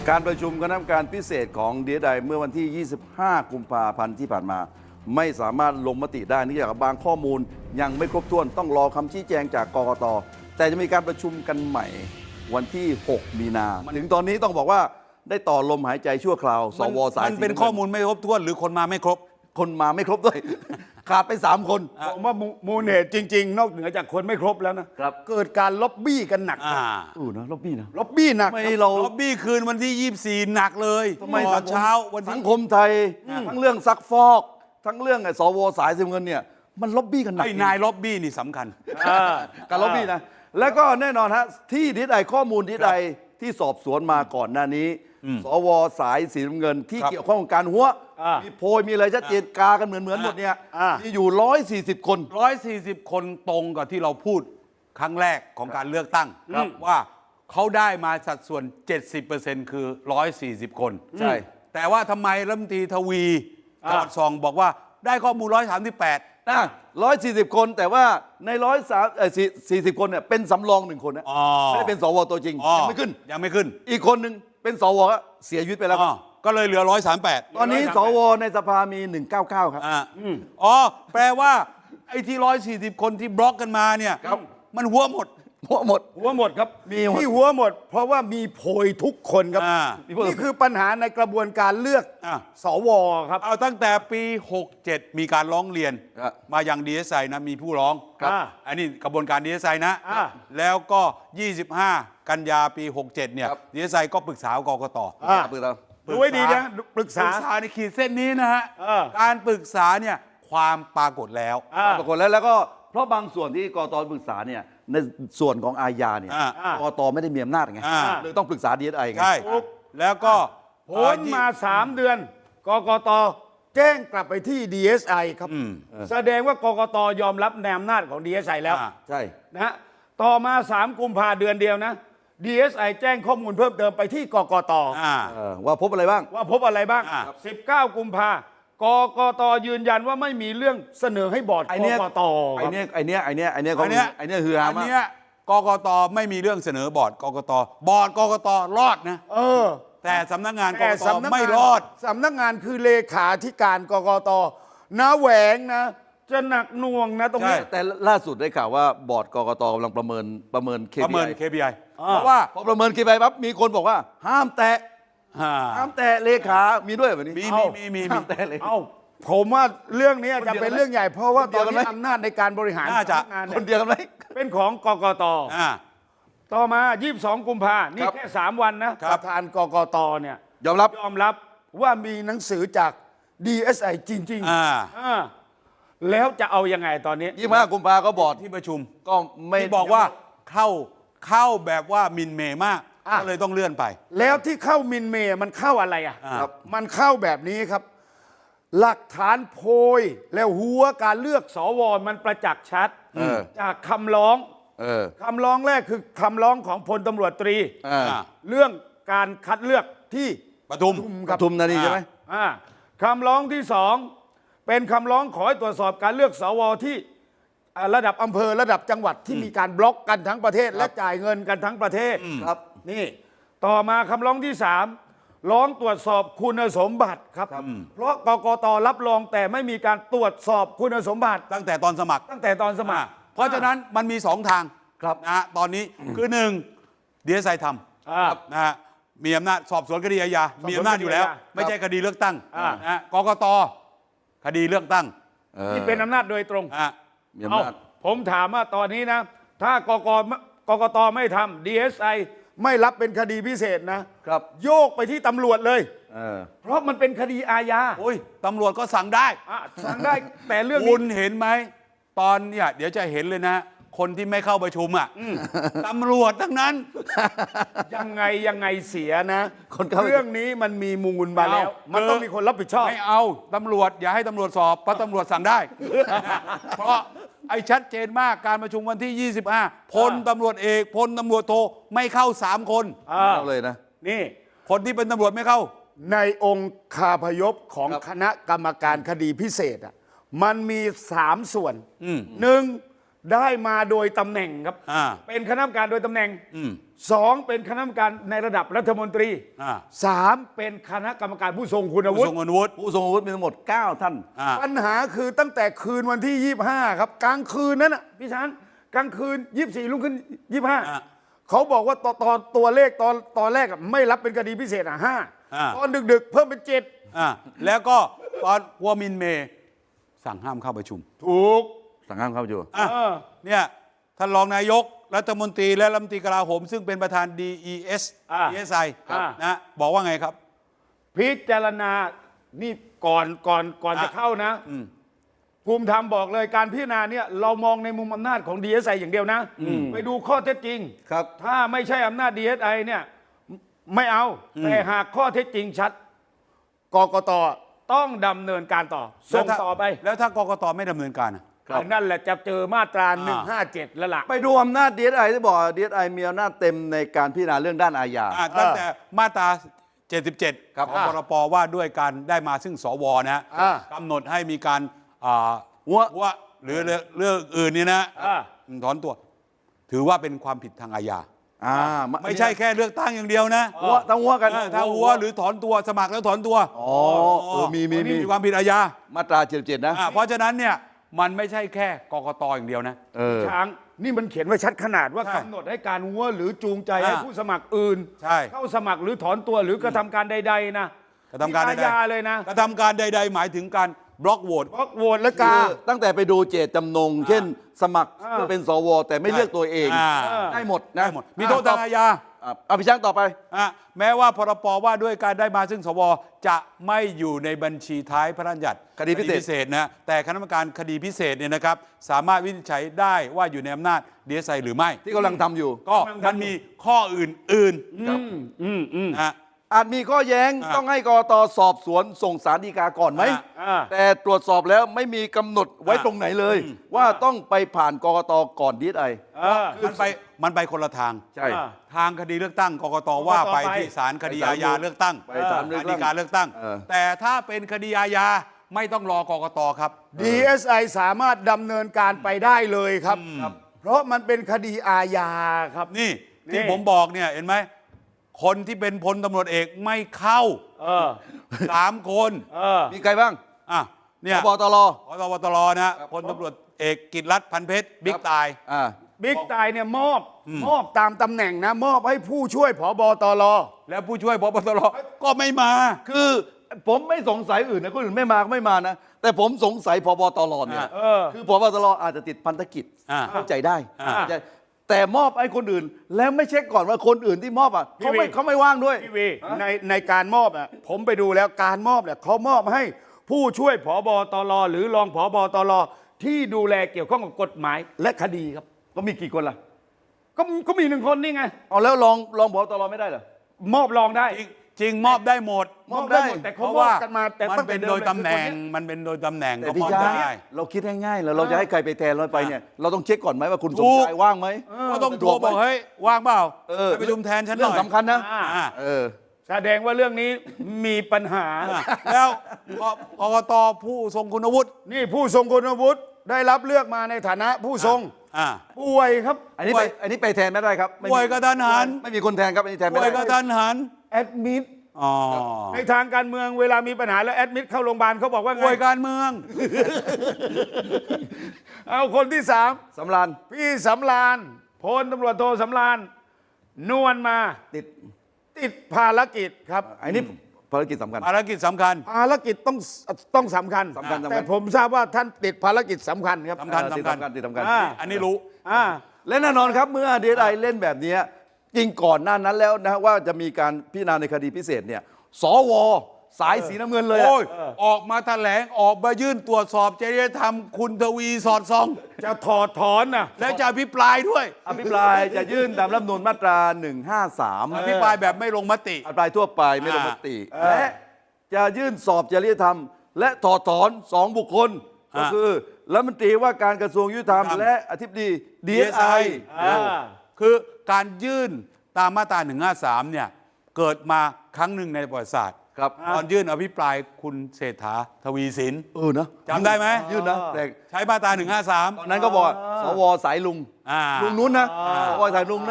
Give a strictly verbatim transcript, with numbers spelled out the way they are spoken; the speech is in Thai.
การประชุมคณะกรรมการพิเศษของดี เอส ไอ เมื่อวันที่ ยี่สิบห้า กุมภาพันธ์ที่ผ่านมา ไม่สามารถลงมติได้เนื่องจากบางข้อมูลยังไม่ครบถ้วนต้องรอคำชี้แจงจากกกต.แต่จะมีการประชุมกันใหม่วันที่ หก มีนา ถึงตอนนี้ต้องบอกว่าได้ต่อลมหายใจชั่วคราว สวสายมันเป็นข้อมูลไม่ครบถ้วนหรือคนมาไม่ครบคนมาไม่ครบด้วย ขาดไปสามคนผมว่ามูลเหตุจริง ๆ นอกเหนือจากคนไม่ครบแล้วนะครับ เกิดการล็อบบี้กันหนักอ่าอู้นะล็อบบี้นะล็อบบี้หนักไม่เราล็อบบี้คืนวันที่ ยี่สิบสี่ หนักเลยทำไมตอนเช้าวันสัที่งคมไทยทั้งเรื่องซักฟอก ทั้งเรื่องไอ้สวสายสีเงินเนี่ยมันล็อบบี้กันหนักไอ้นายล็อบบี้นี่สำคัญการล็อบบี้นะแล้วก็แน่นอนฮะที่ดี เอส ไอข้อมูลดี เอส ไอที่สอบสวนมาก่อนหน้านี้ สวสายสีน้ำเงินที่ครับเกี่ยวข้องกับการหัวอ่ามีมีโพยมีอะไรชัดเจนกากันเหมือนเหมือนหมดเนี่ยอ่ามีมีอยู่ร้อยสี่สิบคนร้อยสี่สิบคนตรงกับที่เราพูดครั้งแรกของการเลือกตั้งครับว่าเขาได้มาสัดส่วน เจ็ดสิบเปอร์เซ็นต์ คือ ร้อยสี่สิบ คนใช่แต่ว่าทำไมรัฐมนตรีทวีอ่าจอดซองบอกว่าได้ข้อมูล หนึ่งร้อยสามสิบแปดนะร้อยสี่สิบคนแต่ว่าในร้อยสามสี่สิบคนเนี่ยเป็นสำรองหนึ่งคนนะอ๋อไม่ได้เป็นสวตัวจริงอ๋อยังไม่ขึ้นยังไม่ขึ้นอีกคนหนึ่งเป็นสวก็เสียชีวิตไปแล้วคอ๋รัอบ ก็เลยเหลือ หนึ่งร้อยสามสิบแปดตอนนี้สวในสภามีหนึ่งร้อยเก้าสิบเก้าครับอ่าอ๋อ แปลว่า ไอ้ที่ร้อยสี่สิบคนที่บล็อกกันมาเนี่ยครับมันหัวหมดหัวหมดหัวหมดครับมีหมดที่หัวหมด เพราะว่ามีโพยทุกคนครับอ่านี่คือปัญหาในกระบวนการเลือกอ่าสวครับเอาตั้งแต่ปี หกเจ็ด มีการร้องเรียนครับมายัง ดี เอส ไอ นะ มีผู้ร้องครับอันนี้กระบวนการ ดี เอส ไอ นะอ่าแล้วก็ ยี่สิบห้า กันยาปี หกเจ็ด เนี่ยครับดี เอส ไอ ก็ปรึกษากกตอ่าปรึกษาดูไว้ดีนะปรึกษาปรึกษาในขีดเส้นนี้นะฮะเออการปรึกษาเนี่ยความปรากฏแล้วอ่าปรากฏแล้วแล้วก็เพราะบางส่วนที่กตปรึกษาเนี่ยในส่วนของอาญาเนี่ยอ่ากตไม่ได้มีอำนาจไงอ่าเลยต้องปรึกษาดีเอสไอไงใช่ถูกแล้วก็พ้นมาสามเดือน กกตแจ้งกลับไปที่ ดี เอส ไอ ครับอืมแสดงว่ากกตยอมรับในอำนาจของ ดี เอส ไอ แล้วอ่าใช่นะฮะต่อมาสามกุมภาเดือนเดียวนะ ดี เอส ไอ แจ้งข้อมูลเพิ่มเติมไปที่กกตอ่าเออว่าพบอะไรบ้างว่าพบอะไรบ้างอ่าสิบเก้า กุมภากกตยืนยันว่าไม่มีเรื่องเสนอให้บอร์ดไอ้กเนี้ยกตไอ้เนี้ยไอ้เนี้ยไอ้เนี้ยไอ้เนี้ยอันเนี้ยไอ้เนี้ยคือฮาอันมากเนี้ยกกตไม่มีเรื่องเสนอบอร์ดกกตบอร์ดกกตรอดนะเออแต่สำนักงานกแต่กตสำนักไม่งานรอดสำนักงานคือเลขาธิการกกตนะแหวงนะ จะหนักหน่วงนะตรงนี้ใช่แต่ล่าสุดได้ข่าวว่าบอร์ดกกตกำลังประเมินประเมินประเมินเคเค พี ไออ่าเพราะว่าพอประเมิน เค พี ไอ ปั๊บมีคนบอกว่า ห้ามแตะอ่าห้ามแตะเลขามีด้วยแบบนี้มีเอ้ามีมีมีห้ามแตะเลยเอ้าผมว่าเรื่องนี้จะเป็นคนเดียวกันไหมเรื่องใหญ่ เพราะว่าคนตเดีอยวน กันไหมนี้อำนาจในการบริหารน่าจะสำกงานคเนี่ยนเดียวกันไหมเป็นของกกตอ่าต่อมา ยี่สิบสอง กุมภานี่ครับแค่สามวันนะประธานกกตเนี่ยยอมรับยอมรับว่ามีหนังสือจาก ดี เอส ไอ จริงอ่าๆอ่าแล้วจะเอายังไงตอนนี้ยี่สิบห้ากุมภาก็บอร์ดที่ประชุมก็ไม่ที่บอกว่าเข้าเข้าแบบว่ามินเมย์มากอ่ะก็เลยต้องเลื่อนไปแล้วที่เข้ามินเมย์มันเข้าอะไรอ่ะอ่าครับมันเข้าแบบนี้ครับ หลักฐานโพยแล้วหัวการเลือกสวมันประจักษ์ชัดเออจากคำร้องเออคำร้องแรกคือคำร้องของพลตำรวจตรีอ่าอ่าเรื่องการคัดเลือกที่ปทุมปทุมธานีใช่ไหมอ่าคำร้องที่สองเป็นคำร้องขอให้ตรวจสอบการเลือกสวที่อ่าระดับอำเภอระดับจังหวัดที่มีการบล็อกกันทั้งประเทศ และจ่ายเงินกันทั้งประเทศครับนี่ต่อมาคำร้องที่สามร้องตรวจสอบคุณสมบัติครับ เพราะกกตรับรองแต่ไม่มีการตรวจสอบคุณสมบัติตั้งแต่ตอนสมัครตั้งแต่ตอนสมัครอ่าเพราะฉะนั้นมันมีสองทางครับนะฮะตอนนี้คือหนึ่งดีเอสไอทอ่าำนะฮะมีอำนาจสอบสวนคดีอาญาสอบสวนมีอำนาจอยู่แล้วคดีอาญาไม่ใช่คดีเลือกตั้งอ่านะฮะกกตคดีเลือกตั้งเออที่เป็นอำนาจโดยตรงอ่ะมีอำเอ้านาจผมถามว่าตอนนี้นะ ถ้ากกกกตไม่ทำ ดี เอส ไอ ไม่รับเป็นคดีพิเศษนะครับโยกไปที่ตำรวจเลยเออเพราะมันเป็นคดีอาญาโอ้ยตำรวจก็สั่งได้อ่ะสั่งได้แต่เรื่องคุนี้ณเห็นไหม ตอนเนี่ยเดี๋ยวจะเห็นเลยนะ คนที่ไม่เข้าประชุมอ่ะตำรวจทั้งนั้นยังไงยังไงเสียนะคนเข้าเรื่องนี้มันมีมูลมาแล้วเอามันต้องมีคนรับผิดชอบไม่เอาตำรวจอย่าให้ตำรวจสอบเพราะตำรวจสั่งได้ เพราะไอ้ชัดเจนมากการประชุมวันที่ ยี่สิบห้าพลตำรวจเอกพลตำรวจโทไม่เข้าสามคนอ่าเอาเลยนะนี่คนที่เป็นตำรวจไม่เข้าในองค์คาพยพของครับคณะกรรมการคดีพิเศษอ่ะมันมีสามส่วนอืมหนึ่งได้มาโดยตำแหน่งครับอ่าเป็นคณะกรรมการโดยตำแหน่งอืมสองเป็นคณะกรรมการในระดับรัฐมนตรีอ่าสามเป็นคณะกรรมการผู้ทรงคุณวุผู้ฒิทรงคุณวุฒิผู้ทรงอาวุธมีทั้งหมด เก้า ท่านอ่าปัญหาคือตั้งแต่คืนวันที่ยี่สิบห้าครับกลางคืนนั้นน่ะพี่ช้างกลางคืนยี่สิบสี่ลุกขึ้นยี่สิบห้าอ่าเขาบอกว่าตอนตอนตัวเลขตอนตอนแรกอะไม่รับเป็นคดีพิเศษอ่ะห้าอ่าตอนดึกๆ เพิ่มเป็นเจ็ดอ่าแล้วก็ตอนกัวมินเมย์สั่งห้ามเข้าประชุมถูกสั่งห้ามเข้าประชุมอ่ะเออเนี่ยท่านรองนายกรัฐมนตรีและรัฐมนตรีกลาโหม ซึ่งเป็นประธาน ดี อี เอสอ่าดี เอส ไอครับนะบอกว่าไงครับพิจารณานี่ก่อนก่อนก่อนอ่ะจะเข้านะอืมภูมิธรรมบอกเลยการพิจารณาเนี่ยเรามองในมุมอำนาจของ ดี เอส ไอ อย่างเดียวนะ ไปดูข้อเท็จจริงครับถ้าไม่ใช่อำนาจ ดี เอส ไอ เนี่ยไม่เอา แต่หากข้อเท็จจริงชัดกกตต้องดำเนินการต่อส่งแล้วถ้าต่อไปแล้วถ้ากกตไม่ดำเนินการอ่ะครับอันนั่นแหละจะเจอมาตราหนึ่งห้าเจ็ดแล้วล่ะไปดูอำนาจ ดี เอส ไอ ที่บอก ดี เอส ไอ มีอำนาจเต็มในการพิจารณาเรื่องด้านอาญาอ่ะตั้งแต่มาตรา เจ็ดสิบเจ็ดครับของพรปว่าด้วยการได้มาซึ่งสวนะฮะอ่ากำหนดให้มีการอ่าหัวว่าหรือเรื่องเรื่องอื่นนี่นะอ่าถอนตัว ถือว่าเป็นความผิดทางอาญาอ่าไม่ใช่แค่เลือกตั้งอย่างเดียวนะหัวทั้งหัวกันเออถ้าหัวหรือถอนตัวสมัครแล้วถอนตัวอ๋อเออมีมีนี่มีมีความผิดอาญามาตราเจ็ดสิบเจ็ดนะอ่าเพราะฉะนั้นเนี่ยมันไม่ใช่แค่กกตอย่างเดียวนะเออช้างนี่มันเขียนไว้ชัดขนาดว่าใช่กำหนดให้การหัวหรือจูงใจอ่าให้ผู้สมัครอื่นใช่เข้าสมัครหรือถอนตัวหรือกระทำการใด ๆ นะกระทำการใดอาญาเลยนะๆกระทำการใด ๆ หมายถึงการบล็อกโหวตบล็อกโหวตและกาคือตั้งแต่ไปดูเจตจำนง เช่น สมัครอ่าเพื่อเป็นสวแต่ไม่เลือกตัวเองอ่าได้หมดนะได้หมดมีโทษทางอาญาอ่ะเอาพี่ช้างต่อไปอ่ะแม้ว่าพรปว่าด้วยการได้มาซึ่งสวจะไม่อยู่ในบัญชีท้ายพระราชบัญญัติคดีพิเศษษนะแต่คณะกรรมการคดีพิเศษเนี่ยนะครับสามารถวินิจฉัยได้ว่าอยู่ในอำนาจ ดี เอส ไอ หรือไม่ที่กำลังทำอยู่ก็มันมีข้ออื่นครับอืมอืมๆนะอาจมีข้อแย้งอ่าต้องให้กรตสอบสวนส่งสารฎีกาก่อนไหมอ่าอ่าแต่ตรวจสอบแล้วไม่มีกำหนดไว้อ่าตรงไหนเลยอืมว่าต้องไปผ่านกรตก่อนดีไอเออมันไปมันไปคนละทางใช่อ่าทางคดีเลือกตั้งกกตว่าไปกกตไปที่ศาลคดีไปศาลอาญาเลือกตั้งไปศาลเลือกตั้งฎีกาเลือกตั้งเออแต่ถ้าเป็นคดีอาญาไม่ต้องรอกกตครับดี เอส ไอ สามารถดำเนินการไปได้เลยครับ เพราะมันเป็นคดีอาญาครับนี่นี่ที่ผมบอกเนี่ยเห็นไหมคนที่เป็นพลตำรวจเอกไม่เข้าเออสามคนเออมีใครบ้างอ่ะเนี่ยพบตรพตบตรนะพลตำรวจเอกกิตติรัตน์พันเพชรบิ๊กตายอ่าบิ๊กตายเนี่ยมอบ มอบตามตำแหน่งนะ มอบให้ผู้ช่วยผบตรแล้วผู้ช่วยพบตรก็ไม่มาคือผมไม่สงสัยอื่นนะคนอื่นไม่มาก็ไม่มานะ แต่ผมสงสัยพบตรเนี่ยเออคือพบตรอาจจะติดพันธกิจอ่าเข้าใจได้อ่าเข้าใจแต่มอบให้คนอื่น แล้วไม่เช็คก่อนว่าคนอื่นที่มอบอ่ะพี่เขาไม่วีเขาไม่ว่างด้วยพี่วีในในการมอบอ่ะผมไปดูแล้วการมอบเนี่ยเขามอบให้ผู้ช่วยผบตรหรือรองผบตรที่ดูแลเกี่ยวข้องกับกฎหมายและคดีครับก็มีกี่คนล่ะก็ก็มีหนึ่งคนนี่ไงเอาแล้วลองลองพบตรไม่ได้เหรอมอบรองได้จริงจริงมอบได้หมดมอบได้หมแต่เพเขาราะมอว่าบกันมาแต่มันตั้งเป็แต่นดิโดยลตำแหน่งคือคนเยมันเป็นโดยตำแหน่งแต่ก็พี่มอบช้างได้เราคิดง่ายๆแล้วเราจะให้ใครไปแทนเราไปเนี่ย เราต้องเช็คก่อนไหมว่าคุณสถูมกชายว่างไหมก็ต้องโทรสะดวไหมบอกเฮ้ยว่างเปล่าเออไปประชุมแทนฉันหเรื่น่องอยสำคัญนะอ่าอ่าเออแสดงว่าเรื่องนี้มีปัญหาอ่ะแล้วกกตผู้ทรงคุณวุฒินี่ผู้ทรงคุณวุฒิได้รับเลือกมาในฐานะผู้ทรงอ่าป่วยครับอันนี้ป่ไปวยอันนี้ไปแทนไม่ได้ครับไม่มีป่วยกระทันหันไม่มีคนแทนครับอันนี้แทนไม่ป่วยได้กระทันหันแอดมิดอ๋อในทางการเมืองเวลามีปัญหาแล้วแอดมิดเข้าโรงพยาบาลเขาบอกว่าไงป่วยการเมืองเอาคนที่สามสำรานพี่สำรานพลตำรวจโทสำรานนวลมาติดติดภารกิจครับอันนี้ภารกิจสำคัญภารกิจสำคัญภารกิจต้องต้องสำคัญสำคัญสำคัญแต่ผมทราบว่าท่านติดภารกิจสำคัญครับสำคัญเออติดสำคัญสำคัญติดสำคัญอ่าอันนี้รู้อ่าและแน่นอนครับเมื่อดีไอเล่นแบบนี้จริงก่อนหน้านั้นแล้วนะว่าจะมีการพิจารณาในคดีพิเศษเนี่ยสวสายสีน้ำเงินเลยอะโอ้ยออกมาแถลงออกมายื่นตรวจสอบจริยธรรมคุณทวีสอดส่องจะถอดถอนนะและจะอภิปรายด้วยอภิปรายจะยื่นตามรัฐธรรมนูญมาตราหนึ่งห้าสามอภิปรายแบบไม่ลงมติอภิปรายทั่วไปไม่ลงมติอ่าและจะยื่นสอบจริยธรรม และถอดถอนสองบุคคล ก็อ่าคือรัฐมนตรีว่าการกระทรวงยุติธรรมครับและอธิบดีดีเอสไออ่าคือการยื่นตามมาตราหนึ่งห้าสามเนี่ยเกิดมาครั้งหนึ่งในประวัติศาสตร์ครับตอนยื่นอภิปรายคุณเศรษฐาทวีสินเออนะจำได้ไหมยื่นนะแต่ใช้มาตราหนึ่งห้าสามตอนนั้นก็บอกว่าสวสายลุงอ่าลุงนู้นนะสวสายลุงนะ